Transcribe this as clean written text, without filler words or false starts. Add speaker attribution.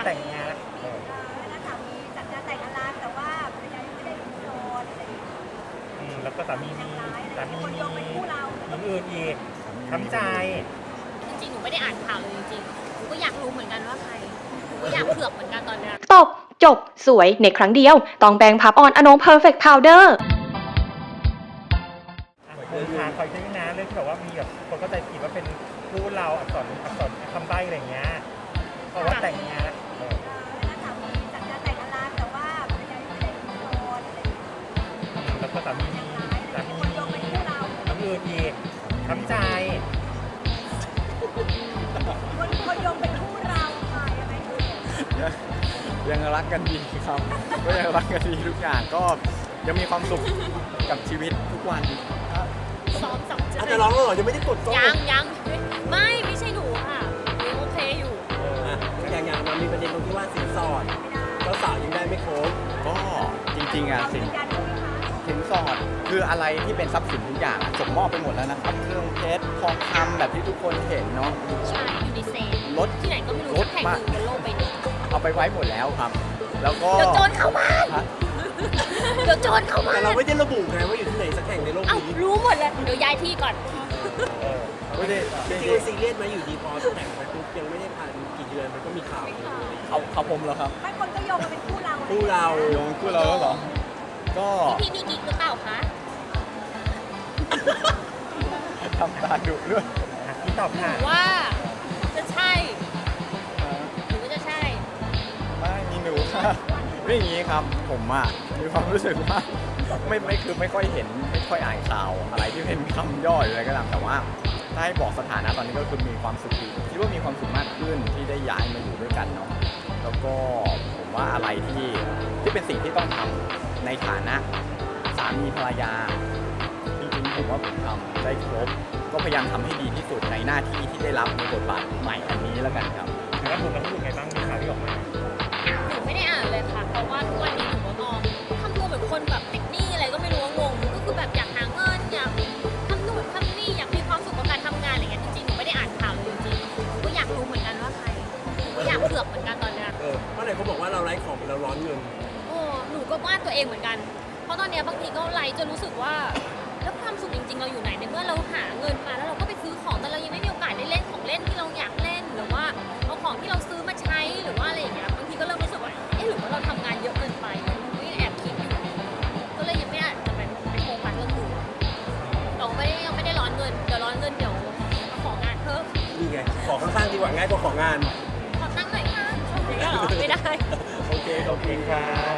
Speaker 1: แต่งงาน
Speaker 2: แล้วสามีจัดงานแต่งงานร้านแต่ว่าภรรยายังไม่ได้โสดอะไรอย่างเงี้ย
Speaker 1: แล้วก็สามีมี
Speaker 2: คนโยงเป็นคู่เรา
Speaker 1: อย่างอื่นอีกช้ำใจ
Speaker 3: จริงๆหนูไม่ได้อ่านข่าวเลยจริงๆหนูก็อยากรู้เหมือนกันว่าใครหนูก็อยากเผือกเหมือนกันตอนนี้
Speaker 4: ตบจบสวยในครั้งเดียวต้องแบงพับออนอนงเพอร์เฟกต์พาวเดอร์
Speaker 1: คอยช่วยนะเรื่องที่แบบว่ามีแบบคนเข้าใจผิดว่าเป็นคู่เราอักษรคำใบ้อะไรเงี้ยเพราะว่าแต่งงาน
Speaker 2: แล้วสามีจัดงานแต่งงานร้านแต่ว่าภรรยายังไม่ได้โสดอะไรอย่างเงี้ย
Speaker 1: แล้วก็สามีมี
Speaker 2: คนโยงเป็นคู่เรา
Speaker 1: อย่างอื่นอีกช้ำใจ
Speaker 2: คนโยงเป็นคู่เราค่ะยังไง
Speaker 5: ยังรักกันดีครับก็ยังรักกันดีทุกอย่างก็ยังมีความสุขกับชีวิตทุกวัน
Speaker 3: ซ้อม2
Speaker 1: อาจจะร้องแล้วเหรอยังไม่ได้กด
Speaker 3: ยังไม่ใช่หนูค่ะหนูโอเคอยู่
Speaker 1: อย่างมันมีประเด็นตรงที่ว่าสินสอดเจ้าสาวยังได้ไม่ครบ
Speaker 5: ก็จริงๆสินสอดคืออะไรที่เป็นทรัพย์สินทุกอย่างส่งมอบไปหมดแล้วนะครับเครื่องเพชรทองคำแบบที่ทุกคนเห็นเนาะ
Speaker 3: ใช่อยู่ในเซฟ
Speaker 5: รถ
Speaker 3: ที่ไหนก็ไม่รู้สักแห่งหนึ่งบนโลกใบนี้
Speaker 5: เอาไปไว้หมดแล้วครับแล้วก็
Speaker 3: เดี๋ยวโจรเข้าบ้านเดี๋ยวโจรเข้าบ้าน
Speaker 1: แต่เราไม่ได้ระบุไงว่าอยู่ที่ไหนสักแห่งในโลกนี้
Speaker 3: รู้หมดเลยเดี๋ยวย้ายที่ก่อน
Speaker 5: ไม่ได้
Speaker 1: จริงๆซีเรียสไหมอยู่ดีพอแต่งไปปุ๊บยังไม่ได้ผ่านกี่เดือนมันก็มีข่าว
Speaker 5: เขาผมเหรอครับ
Speaker 2: ไม่คนก็โยงมาเป็นคู่เรา
Speaker 5: โยงคู่เราแล้วเหรอก็
Speaker 3: พี่มีกิ๊กหรือเปล่าคะ
Speaker 5: ทำตาดุด้วย
Speaker 1: ที่ตอบค่ะ
Speaker 3: ว่าจะใช่หรือว่าจะใช่
Speaker 5: ไม่มีหนูค่ะไม่อย่างนี้ครับผมมีความรู้สึกว่าไม่ค่อยเห็นไม่ค่อยอ่านข่าวอะไรที่เป็นคำย่อยอะไรก็ตามแต่ว่าถ้าให้บอกสถานะตอนนี้ก็คือมีความสุขดีคิดว่ามีความสุขมากขึ้นที่ได้ย้ายมาอยู่ด้วยกันเนาะแล้วก็ผมว่าอะไรที่เป็นสิ่งที่ต้องทำในฐานะสามีภรรยาจริงๆผมว่าผมทำได้ครบก็พยายามทำให้ดีที่สุดในหน้าที่ที่ได้รับในบทบาทใหม่อันนี้แล้วกันครับ
Speaker 1: แล้วคุณรู้สึกไงบ้างมีข่าวที่ออกมา
Speaker 3: หนูไม่ได้อ่านเลยค่ะเพราะว่าทุกวันนี้หนูก็มองทำตัวเหมือนคนแบบติดหนี้อะไรก็ไม่รู้งงก็คือแบบอยากหาเงินอยากทำนู่นทำนี่อยากมีความสุขกับการทำงานอะไรเงี้ยจริงๆหนูไม่ได้อ่านข่าวเลยจริงๆหนูก็อยากรู้เหมือนกันว่าใครหนูก็อยากเผือกเหมือนกันตอนเนี้ย
Speaker 1: เพราะไหนเขาบอกว่าเราไร้ของเราร้อนเงิน
Speaker 3: หนูก็ว่าตัวเองเหมือนกันเพราะตอนเนี้ยบางทีก็ไร้จนรู้สึกว่าแล้วความสุขจริงๆเราอยู่ไหนในเมื่อเราหาเงินมาแล้วเราก็ไปซื้อของแต่เรายังไม่มีโอกาสได้เล่นของเล่นที่เราอยากเล่นหรือว่าเอาของที่เราซื้อมาใช้หรือว่าอะไรอย่างเงี้ยบางทีก็เริ่มรู้สึกว่าหรือว่าเราทำงานเยอะเกินไปก็ยังแอบคิดอยู่ก็เลยยังไม่อาจจะไปโฟกัสเรื่องอื่นเรายังไม่ได้ร้อนเงินเดี๋ยวร้อนเงินเดี๋ยวมาของานเพิ่ม
Speaker 1: นี่ไงขอข้างๆดีกว่าง่ายกว่าของาน
Speaker 3: ขอตั้งหน่อยค่ะไม่ได้
Speaker 1: โอเคขอบคุณครับ